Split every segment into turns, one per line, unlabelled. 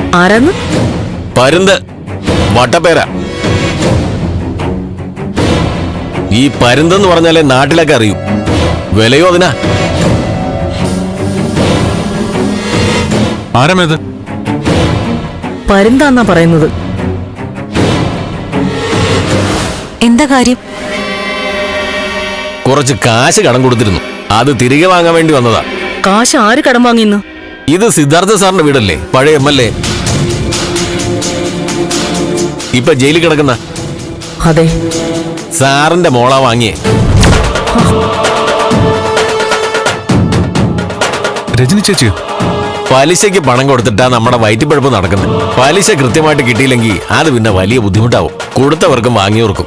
ആരാന്ന്?
പരുന്ത് വട്ടപ്പേര. ഈ പരുന്തെന്ന് പറഞ്ഞാലേ നാട്ടിലൊക്കെ അറിയൂ. വിലയോ അതിനാ.
ആരാമേത്?
പരുന്താന്നാ പറയുന്നത്.
എന്താ കാര്യം?
കുറച്ച് കാശ് കടം കൊടുത്തിരുന്നു, അത് തിരികെ വാങ്ങാൻ വേണ്ടി വന്നതാ.
കാശ് ആര് കടം വാങ്ങിന്ന്?
ഇത് സിദ്ധാർത്ഥ സാറിന്റെ വീടല്ലേ, പഴയ MLA. ഇപ്പൊ ജയിലിൽ കിടക്കുന്ന.
അതെ,
സാറിന്റെ മോളാ വാങ്ങിയേ.
രജനി ചേച്ചിയോ?
പലിശയ്ക്ക് പണം കൊടുത്തിട്ടാ നമ്മുടെ വയറ്റിപ്പഴപ്പ് നടക്കുന്നത്. പലിശ കൃത്യമായിട്ട് കിട്ടിയില്ലെങ്കിൽ അത് പിന്നെ വലിയ ബുദ്ധിമുട്ടാവും, കൊടുത്തവർക്കും വാങ്ങിയവർക്കും.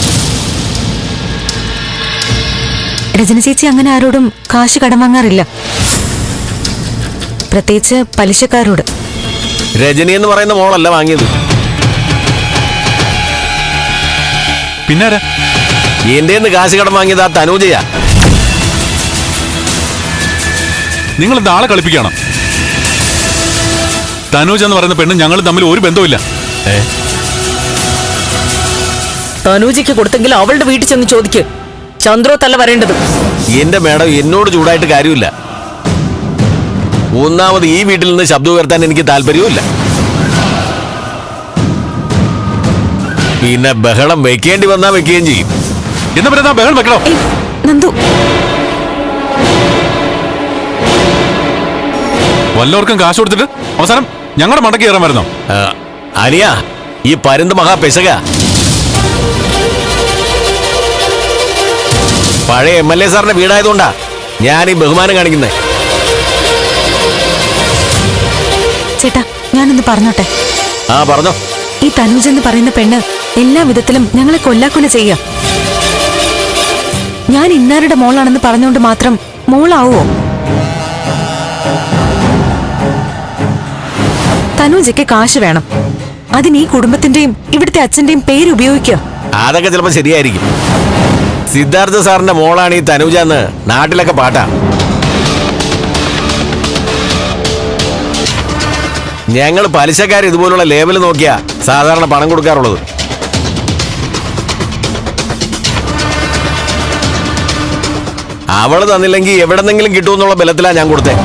രജനി ചേച്ചി അങ്ങനെ ആരോടും കാശ് കടം വാങ്ങാറില്ല, പ്രത്യേകിച്ച് പലിശക്കാരോട്.
രജനി എന്ന് പറയുന്ന മോളല്ല വാങ്ങിയത്.
പിന്നാരാ?
എന്റെ കാശ് കടം വാങ്ങിയത് ആ തനൂജയാ.
നിങ്ങൾ എന്താ ആളെ കളിപ്പിക്കണം? തനൂജ എന്ന് പറയുന്ന പെണ്ണ് ഞങ്ങൾ തമ്മിൽ ഒരു ബന്ധവുമില്ല.
തനൂജയ്ക്ക് കൊടുത്തെങ്കിൽ അവളുടെ വീട്ടിൽ ചെന്ന് ചോദിക്ക്. ചന്ദ്രോ തല്ല വരേണ്ടത്.
എന്റെ മേഡം, എന്നോട് ചൂടായിട്ട് കാര്യമില്ല. ഒന്നാമത് ഈ വീട്ടിൽ നിന്ന് ശബ്ദം ഉയർത്താൻ എനിക്ക് താല്പര്യവുമില്ല. പിന്നെ ബഹളം വെക്കേണ്ടി വന്നാ വെക്കുകയും ചെയ്യും.
എന്നാ പറയുന്ന ബഹളം വെക്കണോ?
നന്ദു,
വല്ലവർക്കും കാശ് കൊടുത്തിട്ട് അവസാനം ഞങ്ങളുടെ മടക്കി കയറാൻ വരുന്നോ?
അനിയ, ഈ പരുന്ത് മഹാ പെശക. പഴയ MLA സാറിന്റെ വീടായതുകൊണ്ടാ ഞാൻ ഈ ബഹുമാനം കാണിക്കുന്നത്.
ചേട്ടാ ഞാനൊന്ന് പറഞ്ഞോട്ടെ?
ആ പറഞ്ഞോ.
ഈ തനൂജ് എന്ന് പറയുന്ന പെണ്ണ് എല്ലാ വിധത്തിലും ഞങ്ങളെ കൊല്ലാക്കൊല ചെയ്യാം. ഞാൻ ഇന്നാരുടെ മോളാണെന്ന് പറഞ്ഞുകൊണ്ട് മാത്രം മോളാവോ? തനൂജയ്ക്ക് കാശ് വേണം, അതിന് ഈ കുടുംബത്തിന്റെയും ഇവിടുത്തെ അച്ഛന്റെയും പേര് ഉപയോഗിക്കുക.
അതൊക്കെ ചിലപ്പോ ശരിയായിരിക്കും. സിദ്ധാർത്ഥ സാറിന്റെ മോളാണ് ഈ തനൂജ എന്ന് നാട്ടിലൊക്കെ പാട്ടാ. ഞങ്ങൾ പലിശക്കാർ ഇതുപോലുള്ള ലേബൽ നോക്കിയാ സാധാരണ പണം കൊടുക്കാറുള്ളത്. അവള് തന്നില്ലെങ്കിൽ എവിടെന്നെങ്കിലും കിട്ടുമെന്നുള്ള ബലത്തിലാ ഞാൻ കൊടുത്തേ.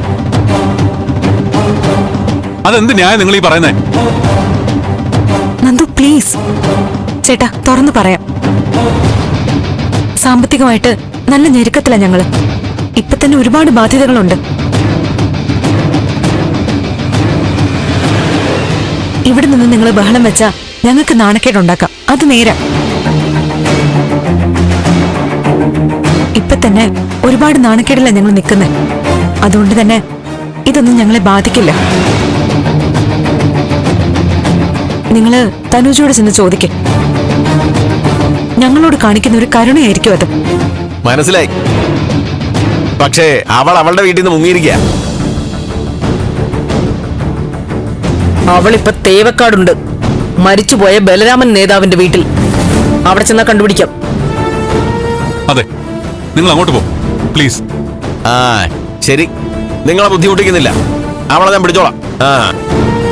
അതെന്ത് ന്യായം നിങ്ങൾ ഈ പറയുന്നേ?
നന്ദു പ്ലീസ്, ചേട്ടാ തുറന്നു പറയാം. സാമ്പത്തികമായിട്ട് നല്ല ഞെരുക്കത്തിലാ ഞങ്ങള്. ഇപ്പൊ തന്നെ ഒരുപാട് ബാധ്യതകളുണ്ട്. ഇവിടെ നിന്ന് നിങ്ങൾ ബഹളം വെച്ചാ ഞങ്ങൾക്ക് നാണക്കേടുണ്ടാക്കാം, അത് നേരാ. ഇപ്പൊ തന്നെ ഒരുപാട് നാണക്കേടില്ല ഞങ്ങൾ നിൽക്കുന്നത്. അതുകൊണ്ട് തന്നെ ഇതൊന്നും ഞങ്ങളെ ബാധിക്കില്ല. നിങ്ങള് തനൂജോട് ചെന്ന് ചോദിക്കേ. ഞങ്ങളോട് കാണിക്കുന്ന ഒരു കരുണയായിരിക്കും അത്.
മനസ്സിലായി. പക്ഷേ അവൾ അവളുടെ വീട്ടിൽ നിന്ന് മുങ്ങിയിരിക്കുക.
അവളിപ്പോ തേവക്കാടുണ്ട്, മരിച്ചുപോയ ബലരാമൻ നേതാവിന്റെ വീട്ടിൽ. അവിടെ ചെന്നാ കണ്ടുപിടിക്കാം.
അതെ, നിങ്ങൾ അങ്ങോട്ട് പോ പ്ലീസ്.
ആ ശരി, നിങ്ങളെ ബുദ്ധിമുട്ടിക്കുന്നില്ല. അവളെ ഞാൻ പിടിച്ചോളാം.